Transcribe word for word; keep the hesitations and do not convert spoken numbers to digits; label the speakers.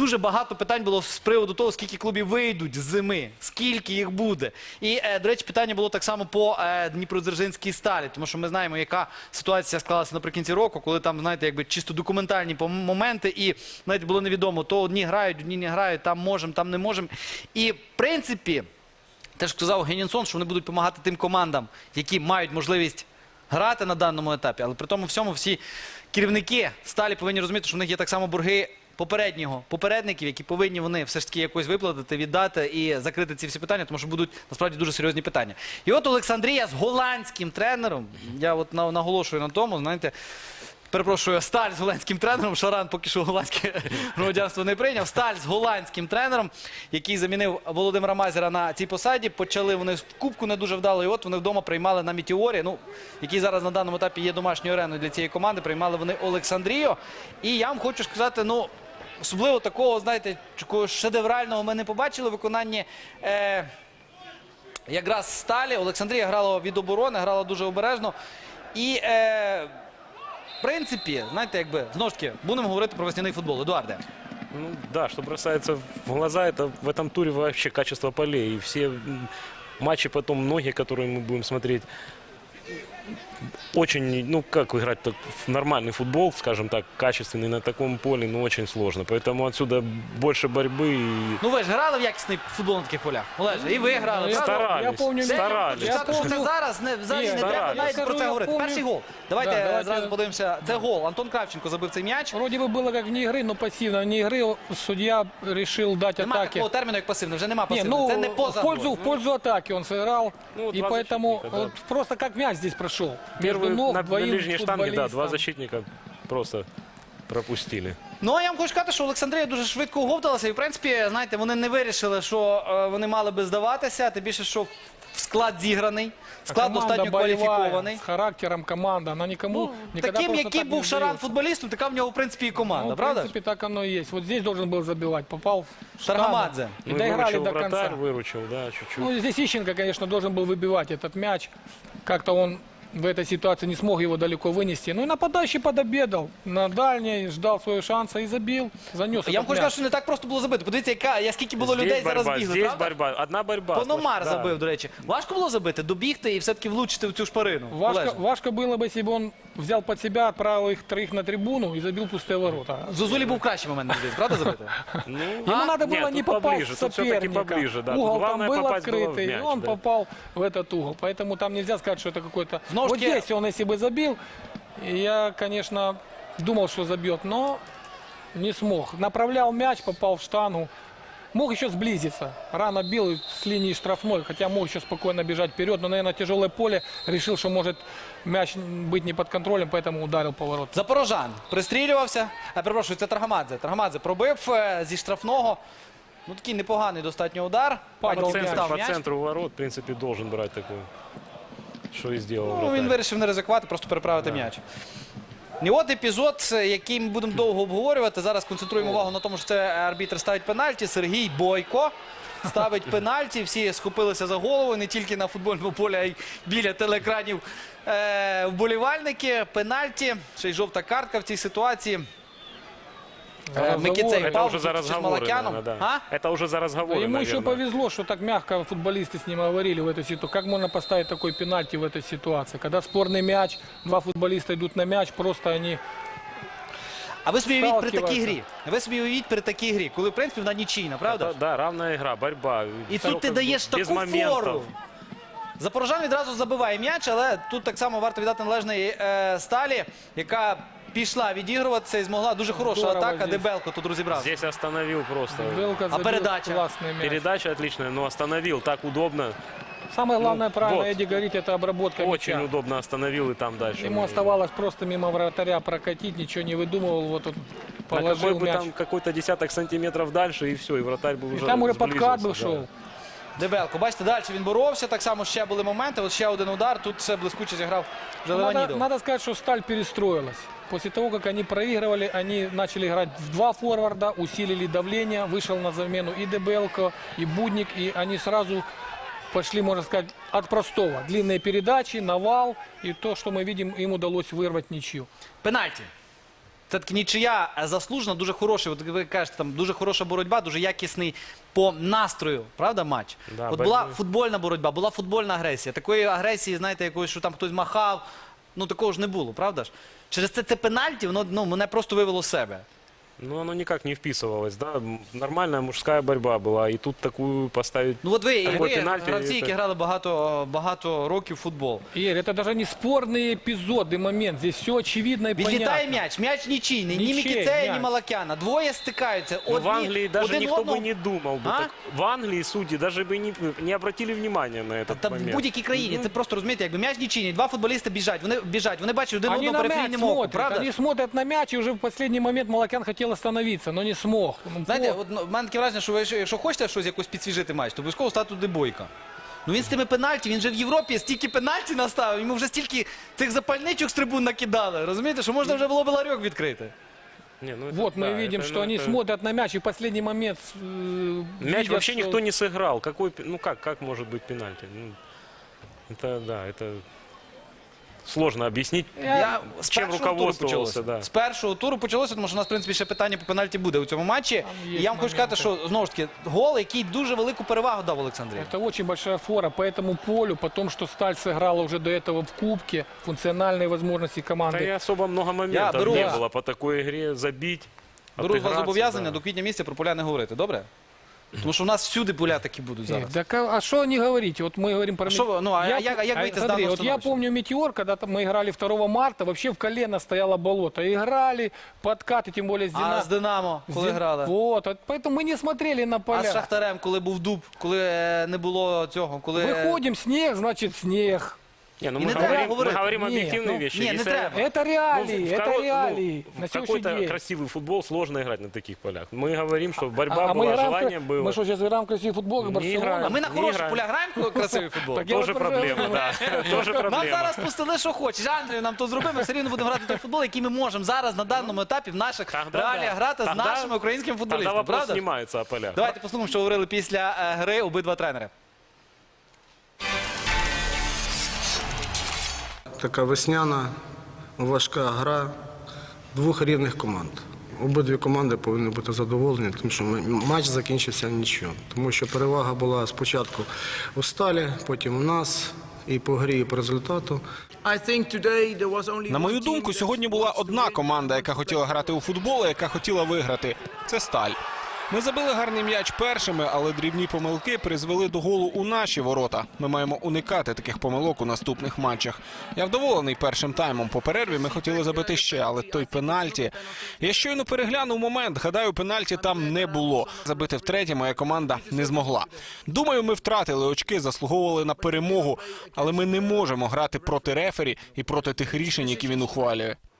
Speaker 1: дуже багато питань було з приводу того, скільки клубів вийдуть з зими, скільки їх буде. І, е, до речі, питання було так само по е, Дніпродзержинській Сталі, тому що ми знаємо, яка ситуація склалася наприкінці року, коли там, знаєте, якби чисто документальні моменти, і, навіть було невідомо, то одні грають, одні не грають, там можемо, там не можемо. І, в принципі, теж сказав Генінсон, що вони будуть допомагати тим командам, які мають можливість грати на даному етапі, але при тому всьому всі керівники Сталі повинні розуміти, що в них є так само борги попереднього, попередників, які повинні вони все ж таки якось виплатити, віддати і закрити ці всі питання, тому що будуть насправді дуже серйозні питання. І от Олександрія з голландським тренером, я от наголошую на тому, знаєте, перепрошую, Сталь з голландським тренером, Шаран поки що голландське громадянство не прийняв. Сталь з голландським тренером, який замінив Володимира Мазера на цій посаді. Почали вони в Кубку не дуже вдало, і от вони вдома приймали на Метеорі, ну, який зараз на даному етапі є домашньою ареною для цієї команди, приймали вони Олександрію. І я вам хочу сказати, ну, особливо такого, знаєте, такого шедеврального ми не побачили в виконанні е, якраз Сталі. Олександрія грала від оборони, грала дуже обережно. І... Е, В принципі, знаєте, якби, знову ж таки, будемо говорити про весняний футбол. Едуарде.
Speaker 2: Ну да, что бросается в глаза, это в этом туре вообще качество полей. И все матчи потом, многие, которые мы будем смотреть, очень, ну как играть так, в нормальный футбол, скажем так, качественный на таком поле, ну очень сложно. Поэтому отсюда больше борьбы. И...
Speaker 1: Ну ви ж грали в якісний футбол на таких полях, Олеже, і ви грали.
Speaker 2: Ну, старались,
Speaker 3: я помню,
Speaker 2: старались.
Speaker 1: Я скажу, що це зараз, не, взагалі не треба навіть про це говорити.
Speaker 3: помню.
Speaker 1: Перший гол. Давайте,
Speaker 3: Да, давайте.
Speaker 1: зразу подивимося. Це гол. Антон Кравченко забив цей м'яч.
Speaker 3: Вроде бы было как вне игры, но пассивно. Вне игры судья решил дать
Speaker 1: Нема
Speaker 3: атаки.
Speaker 1: такого терміну, як пасивний, вже нема
Speaker 3: Не,
Speaker 1: пасивного.
Speaker 3: ну,
Speaker 1: Це не поза
Speaker 3: в пользу,
Speaker 1: грою.
Speaker 3: в пользу атаки он сыграл.
Speaker 2: Ну,
Speaker 3: и
Speaker 2: два
Speaker 3: поэтому
Speaker 2: защитника, да.
Speaker 3: вот просто как мяч здесь прошел. Между
Speaker 2: Первый
Speaker 3: ног
Speaker 2: на, на
Speaker 3: двоим
Speaker 2: ближней штанге, да, два
Speaker 3: футболистам.
Speaker 2: защитника просто пропустили.
Speaker 1: Ну, а я вам хочу сказати, що Олександрія дуже швидко оговталася. І, в принципі, знаєте, вони не вирішили, що е, вони мали би здаватися. Тим більше, що склад зіграний, склад
Speaker 3: Команда
Speaker 1: достатньо
Speaker 3: боевая,
Speaker 1: кваліфікований.
Speaker 3: с характером команда. Она никому
Speaker 1: Ну,
Speaker 3: никогда
Speaker 1: таким,
Speaker 3: просто
Speaker 1: який
Speaker 3: так не
Speaker 1: був Шаран
Speaker 3: сдается.
Speaker 1: футболістом, така в нього, в принципі, і команда,
Speaker 3: Ну, в
Speaker 1: правда?
Speaker 3: принципе, так оно и есть. Вот здесь должен был забивать. Попал в штангу.
Speaker 1: Таргамадзе.
Speaker 3: И
Speaker 2: Ну,
Speaker 3: доиграли
Speaker 2: выручил
Speaker 3: до конца.
Speaker 2: вратарь, выручил, да, чуть-чуть.
Speaker 3: Ну, здесь Ищенко, конечно, должен был выбивать этот мяч. Как-то он в этой ситуации не смог его далеко вынести. Ну и нападающий подобедал на дальней, ждал своего шанса и забил, занес
Speaker 1: Я вам
Speaker 3: этот
Speaker 1: хочу сказати,
Speaker 3: мяч.
Speaker 1: що не так просто було забити. Подивіться, яка, я скільки було
Speaker 2: Здесь
Speaker 1: людей зараз
Speaker 2: борьба,
Speaker 1: бігли,
Speaker 2: здесь
Speaker 1: правда?
Speaker 2: борьба, одна борьба.
Speaker 1: Пономар
Speaker 2: Да.
Speaker 1: забив, до речі. Важко було забити, добігти і все-таки влучити в цю шпарину?
Speaker 3: Важко,
Speaker 1: Олеже?
Speaker 3: важко было бы, если бы он взял под себя, отправил их троих на трибуну и забил пустые ворота.
Speaker 1: Зозулі був кращий момент, мені здається, правда, забити?
Speaker 2: Ну,
Speaker 3: Ему надо было
Speaker 2: нет,
Speaker 3: не
Speaker 2: тут
Speaker 3: попасть
Speaker 2: поближе,
Speaker 3: в
Speaker 2: тут все-таки
Speaker 3: соперника.
Speaker 2: поближе, да. Тут
Speaker 3: Угол там
Speaker 2: главное
Speaker 3: был
Speaker 2: попасть было в
Speaker 3: открытый,
Speaker 2: мяч,
Speaker 3: и он
Speaker 2: да.
Speaker 3: попал в этот угол. Поэтому там нельзя сказать, что это какой-то...
Speaker 1: Снова
Speaker 3: Вот
Speaker 1: таки-
Speaker 3: здесь он, если бы забил, я, конечно, думал, что забьет, но не смог. Направлял мяч, попал в штангу. Мог еще сблизиться. Рано бил с линии штрафной, хотя мог еще спокойно бежать вперед. Но, наверное, тяжелое поле. Решил, что может мяч быть не под контролем, поэтому ударил поворот.
Speaker 1: Запорожан пристрілювався. А, перепрошую, це Таргамадзе. Таргамадзе пробив е, зі штрафного. Ну, такий непоганий достатньо удар.
Speaker 3: Падал
Speaker 1: Потім
Speaker 2: По
Speaker 3: мяч.
Speaker 2: центру,
Speaker 1: став
Speaker 2: по
Speaker 1: м'яч.
Speaker 2: центру ворот, в принципе, должен брать такой. Что и сделал
Speaker 1: Ну,
Speaker 2: вратарь.
Speaker 1: він вирішив не ризикувати, просто переправити м'яч. І от епізод, який ми будемо довго обговорювати. Зараз концентруємо увагу на тому, що це арбітр ставить пенальті. Сергій Бойко ставить пенальті. Всі схопилися за голову, не тільки на футбольному полі, а й біля телеекранів е, вболівальники. Пенальті, ще й жовта картка в цій ситуації. Е, Микіцей
Speaker 2: Это
Speaker 1: впав
Speaker 2: уже за
Speaker 1: зустріч з
Speaker 2: разговоры,
Speaker 1: Малакяном.
Speaker 2: наверное, да.
Speaker 1: А?
Speaker 2: Это уже за разговоры,
Speaker 3: Ему еще
Speaker 2: наверное.
Speaker 3: повезло, что так мягко футболисты с ним говорили в этой ситуации. Как можно поставить такой пенальти в этой ситуации? Когда спорный мяч, два футболиста идут на мяч, просто они...
Speaker 1: А ви собі уявіть при такій
Speaker 3: Сталкиваються.
Speaker 1: грі. Ви собі уявіть при такій грі, коли, в принципі, вона нічийна, правда?
Speaker 2: Это, да, равная игра, борьба.
Speaker 1: І
Speaker 2: Всё
Speaker 1: тут ти
Speaker 2: как бы
Speaker 1: даєш
Speaker 2: без
Speaker 1: таку
Speaker 2: моментов.
Speaker 1: фору. Запорожан відразу забиває м'яч, але тут так само варто віддати належний е, Сталі, яка пішла відігруватися і змогла. Дуже хороша
Speaker 3: Здорово
Speaker 1: атака.
Speaker 3: здесь.
Speaker 1: Дебелко тут розібрався.
Speaker 2: Здесь остановил просто.
Speaker 3: Белка забил
Speaker 1: передача?
Speaker 3: классный мяч.
Speaker 2: Передача отличная, но остановил. Так удобно.
Speaker 3: Самое главное,
Speaker 2: Ну,
Speaker 3: правильно
Speaker 2: вот.
Speaker 3: Эдди говорит, это обработка
Speaker 2: Очень
Speaker 3: мяча.
Speaker 2: удобно остановил и там дальше.
Speaker 3: Ему оставалось просто мимо вратаря прокатить, ничего не выдумывал. Вот он
Speaker 2: На какой
Speaker 3: положил
Speaker 2: бы
Speaker 3: мяч.
Speaker 2: там какой-то десяток сантиметров дальше, и все, и вратарь бы
Speaker 3: И
Speaker 2: уже
Speaker 3: там уже
Speaker 2: сблизился,
Speaker 3: подкат был
Speaker 2: да.
Speaker 3: шел.
Speaker 1: Дебелко, бачите, далі він боровся, так само ще були моменти. От ще один удар, тут все блискуче зіграв вже
Speaker 3: Надо,
Speaker 1: Леонідов.
Speaker 3: надо сказать, что Сталь перестроилась. После того, как они проигрывали, они начали играть в два форварда, усилили давление, вышел на замену и Дебелко, и Будник, и они сразу пошли, можно сказать, от простого. Длинные передачи, навал, и то, что мы видим, им удалось вырвать ничью.
Speaker 1: Пенальті. все-таки нічия заслужена, дуже хороший, от ви кажете, там дуже хороша боротьба, дуже якісний по настрою, правда, матч?
Speaker 2: Да,
Speaker 1: от була
Speaker 2: боротьба.
Speaker 1: футбольна боротьба, була футбольна агресія. Такої агресії, знаєте, якоїсь, що там хтось махав, ну такого ж не було, правда ж? Через це це пенальті, воно ну, мене просто вивело з себе.
Speaker 2: Ну, оно никак не вписывалось, да. М, Нормальная мужская борьба была, и тут такую поставить...
Speaker 1: Ну от ви, і
Speaker 2: Такий
Speaker 1: ви
Speaker 2: пенальті,
Speaker 1: гравці,
Speaker 2: це-
Speaker 1: які грали багато, багато років в футбол.
Speaker 3: Игорь, это даже не спорный эпизод и момент. Здесь все очевидно и
Speaker 1: Відлітає
Speaker 3: понятно.
Speaker 1: м'яч, м'яч нічийний, ні
Speaker 3: Нічий
Speaker 1: Мікіцея, ні
Speaker 3: м'яч.
Speaker 1: Малакяна. Двоє стикаються.
Speaker 2: Ну,
Speaker 1: Одні,
Speaker 2: в Англии даже
Speaker 1: один
Speaker 2: никто
Speaker 1: одного...
Speaker 2: бы не думал бы.
Speaker 1: А?
Speaker 2: Так. В Англии судьи даже бы не, не обратили внимания на этот
Speaker 1: Та в
Speaker 2: момент.
Speaker 1: будь-якій країні, це просто, розумієте, якби м'яч нічийний, два футболісти біжать, вони біжать, вони бачать один
Speaker 3: Они
Speaker 1: одного
Speaker 3: на мяч
Speaker 1: периферійним оком,
Speaker 3: смотрят,
Speaker 1: правда?
Speaker 3: они смотрят на мяч, и уже в последний момент Малакян хотел остановиться, но не смог. Ну,
Speaker 1: Знаєте,
Speaker 3: вот.
Speaker 1: от, ну, в мене таке враження, що ви, якщо хочете щось якось підсвіжити матч, то обов'язково стати туди Бойка. Ну він з тими пенальті, він же в Європі стільки пенальті наставив, йому вже стільки цих запальничок з трибун накидали, розумієте, що можна вже було б ларьок відкрити.
Speaker 2: Не, ну это
Speaker 3: Вот мы
Speaker 2: да,
Speaker 3: видим,
Speaker 2: это,
Speaker 3: что
Speaker 2: ну,
Speaker 3: они
Speaker 2: это-
Speaker 3: смотрят на мяч, и в последний момент э,
Speaker 2: Мяч
Speaker 3: видят,
Speaker 2: вообще
Speaker 3: что-
Speaker 2: никто не сыграл. Какой, пе- ну как, как может быть пенальти? Ну, это, да, это сложно объяснить.
Speaker 1: Я з
Speaker 2: Чим
Speaker 1: першого туру
Speaker 2: руководствувався,
Speaker 1: почалося.
Speaker 2: да.
Speaker 1: З першого туру почалося, тому що у нас, в принципі, ще питання по пенальті буде у цьому матчі.
Speaker 3: Там є
Speaker 1: І я вам хочу сказати,
Speaker 3: моменти.
Speaker 1: що, знову ж таки, гол, який дуже велику перевагу дав Олександрі.
Speaker 3: Это очень большая фора по этому полю, потом, что Сталь сыграла уже до этого в Кубке, функциональные возможности
Speaker 2: Да
Speaker 3: команды.
Speaker 2: и особо много моментов
Speaker 1: беру
Speaker 2: не
Speaker 1: вас-
Speaker 2: было по такой игре забить.
Speaker 1: Беру з вас
Speaker 2: отыграться,
Speaker 1: зобов'язання
Speaker 2: да.
Speaker 1: до квітня місяця про поля не говорити, добре? Тому що у нас всюди поля такі будуть
Speaker 3: Э,
Speaker 1: зараз.
Speaker 3: Так, а что не говорите? Вот мы говорим про...
Speaker 1: А шо вы- ну, а
Speaker 3: Я
Speaker 1: як-
Speaker 3: п-
Speaker 1: а як выйти с
Speaker 3: смотри,
Speaker 1: данного
Speaker 3: вот я
Speaker 1: становища?
Speaker 3: помню Метеор, когда там мы играли второго марта, вообще в колено стояло болото. Играли, подкаты, тем более с
Speaker 1: А
Speaker 3: Дина-
Speaker 1: з Динамо, коли
Speaker 3: Зин-
Speaker 1: грали?
Speaker 3: Вот, вот поэтому мы не смотрели на
Speaker 1: А
Speaker 3: поля.
Speaker 1: з Шахтарем, коли був дуб, коли е, не було цього, коли... е,
Speaker 3: Выходим, снег, значит снег.
Speaker 2: Не, ну
Speaker 1: И
Speaker 2: мы
Speaker 1: не треба
Speaker 2: говорим, мы
Speaker 1: говорити.
Speaker 2: говорим
Speaker 3: Ні,
Speaker 2: объективные
Speaker 3: ну,
Speaker 2: вещи.
Speaker 1: ні, не
Speaker 2: Если-
Speaker 1: треба.
Speaker 3: Это
Speaker 2: Ну,
Speaker 3: реалии,
Speaker 2: в
Speaker 3: это
Speaker 2: коро-
Speaker 3: реалии.
Speaker 2: ну,
Speaker 3: на
Speaker 2: в
Speaker 3: сегодняшний
Speaker 2: какой-то
Speaker 3: день.
Speaker 2: красивый футбол сложно играть на таких полях. Мы говорим, что борьба
Speaker 3: А- а мы
Speaker 2: была,
Speaker 3: играем в
Speaker 2: желание
Speaker 3: кра-
Speaker 2: было.
Speaker 3: Мы что, сейчас играем в красивый футбол, как
Speaker 2: Не
Speaker 3: Барселона?
Speaker 2: играем.
Speaker 1: А ми на
Speaker 2: Не
Speaker 1: хороших
Speaker 2: граємо.
Speaker 1: полях граємо красивий футбол?
Speaker 3: Так я
Speaker 2: Тоже
Speaker 3: вот про-
Speaker 2: проблема, да. Тоже
Speaker 1: Нам
Speaker 2: проблема.
Speaker 1: зараз пустили, що хочеш. Андрію нам то зробимо, все рівно будемо грати той футбол, який ми можемо зараз на даному етапі в наших
Speaker 2: Тогда
Speaker 1: реаліях
Speaker 2: да.
Speaker 1: грати з
Speaker 2: Тогда-
Speaker 1: нашими українськими
Speaker 2: Тогда
Speaker 1: футболістами.
Speaker 2: вопрос
Speaker 1: Правда? ж?
Speaker 2: снимается о полях.
Speaker 1: Давайте послухаємо, що говорили після е, гри обидва тренери.
Speaker 4: Така весняна, важка гра двох рівних команд. Обидві команди повинні бути задоволені, тому що матч закінчився нічого. Тому що перевага була спочатку у Сталі, потім у нас, і по грі, і по результату.
Speaker 5: На мою думку, сьогодні була одна команда, яка хотіла грати у футбол, і яка хотіла виграти. Це Сталь. Ми забили гарний м'яч першими, але дрібні помилки призвели до голу у наші ворота. Ми маємо уникати таких помилок у наступних матчах. Я вдоволений першим таймом. По перерві ми хотіли забити ще, але той пенальті... Я щойно переглянув момент, гадаю, пенальті там не було. Забити втретє моя команда не змогла. Думаю, ми втратили очки, заслуговували на перемогу, але ми не можемо грати проти рефері і проти тих рішень, які він ухвалює.